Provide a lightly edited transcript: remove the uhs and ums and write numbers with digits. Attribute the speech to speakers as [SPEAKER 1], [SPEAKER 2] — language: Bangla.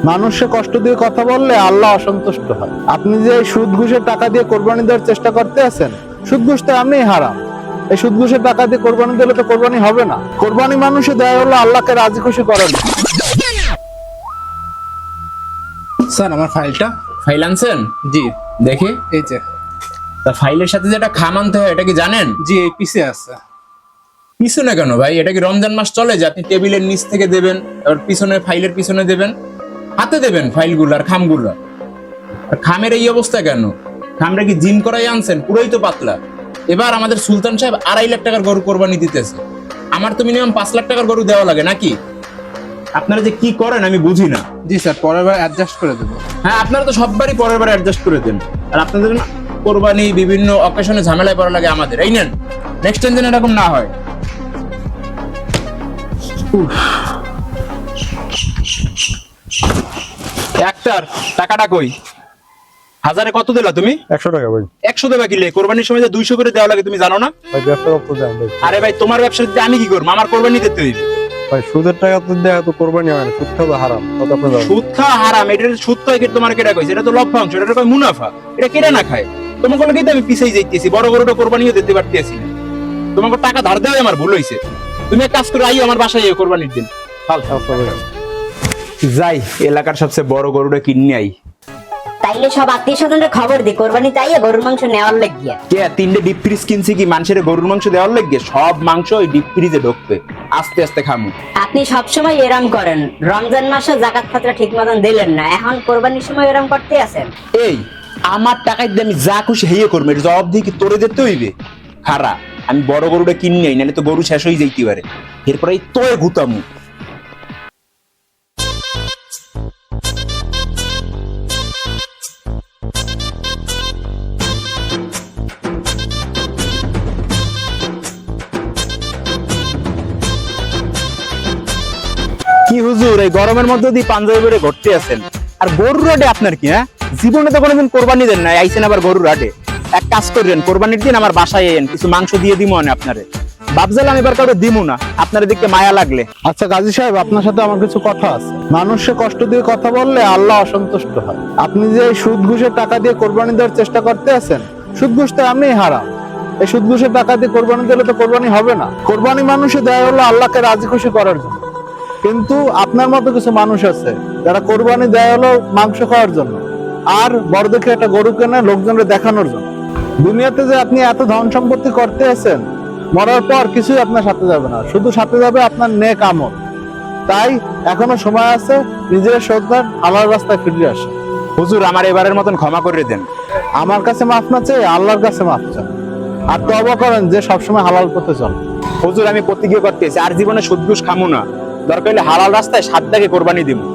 [SPEAKER 1] মানুষকে কষ্ট দিয়ে কথা বললে আল্লাহ অসন্তুষ্ট হয়। আপনি যে এই সুদ ঘুষের টাকা দিয়ে কোরবানি দেওয়ার চেষ্টা করতে আছেন, সুদ ঘুষ তো এমনিই হারাম। এই সুদ ঘুষের টাকা দিয়ে কোরবানি দিলে তো কোরবানি হবে না। কোরবানি মানুষে দেয় হলো আল্লাহকে রাজি খুশি করার জন্য।
[SPEAKER 2] স্যার আমার ফাইলটা।
[SPEAKER 3] ফাইল আনছেন?
[SPEAKER 2] জি
[SPEAKER 3] দেখি।
[SPEAKER 2] এই যে।
[SPEAKER 3] তা ফাইলের সাথে যে একটা খাম আনতে হয় এটা কি জানেন?
[SPEAKER 2] জি এই পিছে আছে।
[SPEAKER 3] পিছনে কেন ভাই? এটা কি রমজান মাস চলে যে আপনি টেবিলের নিচ থেকে দেবেন, আর পিছনে ফাইলের পিছনে দেবেন? হাতে দেবেন ফাইলগুলো আর খামগুলো। আর খামের এই অবস্থা কেন? খামটা কি জিম করাই আনছেন? পুরোই তো পাতলা। এবার আমাদের সুলতান সাহেব 2.5 লাখ টাকার গরু কোরবানি দিতেছে, আমার তো মিনিমাম 5 লাখ টাকার গরু দেওয়া লাগে নাকি? আপনারা যে কি করেন আমি বুঝি না।
[SPEAKER 2] জি স্যার পরের বার অ্যাডজাস্ট করে দেবো।
[SPEAKER 3] হ্যাঁ, আপনারা তো সববারই পরের বার অ্যাডজাস্ট করে দেন, আর আপনাদের না কোরবানি বিভিন্ন অকেশনে ঝামেলায় পড়া লাগে আমাদের। এই নেন, নেক্সট টাইম যেন এরকম না হয়। একটার টাকাটা কই? হাজারে কত দিলা তুমি?
[SPEAKER 4] 100 টাকা ভাই।
[SPEAKER 3] 100 দেবা কিলে? কোরবানির সময় যে 200 করে দেওয়া লাগে তুমি জানো না?
[SPEAKER 4] ভাই ব্যবসা করতে যান ভাই।
[SPEAKER 3] আরে ভাই, তোমার ব্যবসা দিতে আমি কি করবো? আমার কোরবানি দিতে হইবে।
[SPEAKER 4] ভাই সুদের টাকা তো দেয়া তো কোরবানি হয় না, সুদ খাওয়া হারাম। কত আপনি জানেন?
[SPEAKER 3] সুদ খাওয়া হারাম, এটা সুদ খায় কি তোমার কেটা কইছে? এটা তো লভ্যাংশ, এটা কয় মুনাফা। এটা কেটে না খায়। তোমাকে লাগি তো আমি পিছাই যাইতেছি, বড় গরুটা কোরবানিও দিতে পারতেছি না। তোমাকে টাকা ধার দেওয়া আমার ভুল হইছে। তুমি এক কাজ করে আই আমার বাসায় কোরবানির দিন।
[SPEAKER 4] আচ্ছা ভাই।
[SPEAKER 3] যাই এলাকার সবচেয়ে বড় গরুটা কিনে আই।
[SPEAKER 5] তাইলে সব আত্মীয় স্বজনদের খবর দি কোরবানি তাইয়ে গরুর মাংস নেওয়ার লাগিয়া।
[SPEAKER 3] কে 3টে ডিপ ফ্রিজ কিনছি কি মানুষের গরুর মাংস দেওয়ার লাগে? সব মাংস ওই ডিপ ফ্রিজে ঢুকবে, আস্তে আস্তে খামু।
[SPEAKER 5] আপনি সব সময় এরম করেন, রমজান মাসে যাকাত ফাতরা ঠিক মতন দিলেন না, এখন কোরবানির সময় এরম করতে আছেন।
[SPEAKER 3] এই আমার টাকায় দিয়ে আমি যা খুশি হেয়ে করবো, এটা জবাব দিয়ে কি তোরে যেতে হইবে? খারা আমি বড় গরুটা কিনে আই, নাহলে তো গরু শেষ হয়ে যাইতে পারে। এরপরে তোয়ে গুতামু। কি হুজুর, এই গরমের মধ্যে দিয়ে পাঞ্জাবি পরে ঘুরতে আছেন, আর গরুর হাটে আপনার কি? হ্যাঁ, জীবনে তো কোনোদিন কোরবানি দেন না, আইছেন আবার গরুর হাটে। এক কাজ করেন, কোরবানির দিন আমার বাসায় এন, কিছু মাংস দিয়ে দিমু আনে আপনারে। বাবজালাম এবার কাউকে দিমু না, আপনার দিকে মায়া লাগলে।
[SPEAKER 1] আচ্ছা গাজী সাহেব, আপনার সাথে আমার কিছু কথা আছে। মানুষকে কষ্ট দিয়ে কথা বললে আল্লাহ অসন্তুষ্ট হয়। আপনি যে এই সুদ ঘুষের টাকা দিয়ে কোরবানি দেওয়ার চেষ্টা করতে আছেন, সুদ ঘুষ তো এমনিই হারাম। এই সুদ ঘুষের টাকা দিয়ে কোরবানি দিলে তো কোরবানি হবে না। কোরবানি মানুষে দেয় হলো আল্লাহকে রাজি খুশি করার জন্য। কিন্তু আপনার মতো কিছু মানুষ আছে যারা কোরবানি দেয় হলো মাংস খাওয়ার জন্য, আর বড় দেখে একটা গরু কেনে লোকজনকে দেখানোর জন্য। দুনিয়াতে যে আপনি এত ধন সম্পত্তি করতে আছেন, মরার পর কিছুই আপনার সাথে যাবে না, শুধু সাথে যাবে আপনার নেক আমল। তাই এখনো সময় আছে, নিজের সন্তান হালাল রাস্তায় ফিরে আসে।
[SPEAKER 3] হুজুর আমার এবারের মতন ক্ষমা করে দেন।
[SPEAKER 1] আমার কাছে মাফ না চেয়ে আল্লাহর কাছে মাফ চান, আর তওবা করেন যে সবসময় হালাল পথে চলে।
[SPEAKER 3] হুজুর আমি প্রতিজ্ঞা করতেছি আর জীবনে সুদ ঘুষ খামু না, দরকার হলে হালাল রাস্তায় 7 দাগে কোরবানি দিমু।